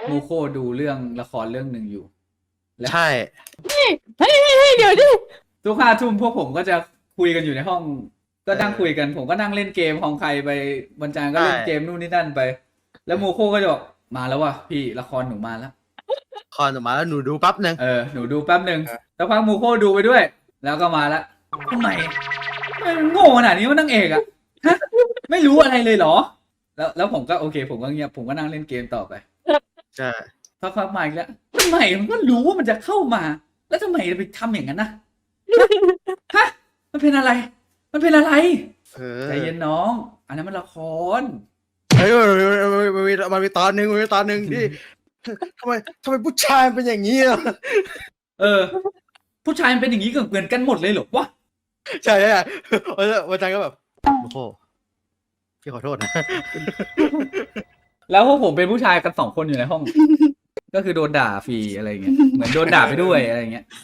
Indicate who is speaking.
Speaker 1: มูโคดูเรื่องละครเรื่องหนึ่งอยู่
Speaker 2: ใช่
Speaker 3: เฮ้ยเดี๋ยวดิ
Speaker 1: ทุก5 ทุ่มพวกผมก็จะคุยกันอยู่ในห้อง ก็นั่งคุยกัน ผมก็นั่งเล่นเกมของใครไปบรรจางก็เล่นเกมนู่นนี่นั่นไป แล้วมูโคก็จะบอกมาแล้วว่ะพี่ละครหนูมาแล้ว
Speaker 2: คอนออกมาแล้วหนูดูปั๊บนึง
Speaker 1: หนูดูแป๊บหนึ่งแล้วพักมูโคดูไปด้วย แล้วก็มาแล้วทำไมมันโง่ขนาดนี้ว่านางเอกอะฮะไม่รู้อะไรเลยเหรอ แล้วผมก็โอเค ผมก็เงียบผมก็นั่งเล่นเกมต่อไป
Speaker 2: ใช่
Speaker 1: พักมาอีกแล้วทำไมมันก็รู้ว่ามันจะเข้ามา แล้วทำไมไปทำอย่างนั้นนะฮะมันเป็นอะไร มันเป็นอะไรใจเย็นน้อง อันนั้นมันละคร
Speaker 2: เฮ้ยมันมีตอนหนึ่งที่ทำไมผู้ชายเป็นอย่างนี้อ่ะ
Speaker 1: ผู้ชายมันเป็นอย่างนี้เหมือนกันหมดเลยเหรอวะ
Speaker 2: ใช่วันจันทร์ก็แบบโอ้โหพี่ขอโทษนะ
Speaker 1: แล้วพวกผมเป็นผู้ชายกัน2 คนอยู่ในห้อง ก็คือโดนด่าฟรีอะไรเงี้ยเหมือนโดนด่าไปด้วยอะไรเงี้ย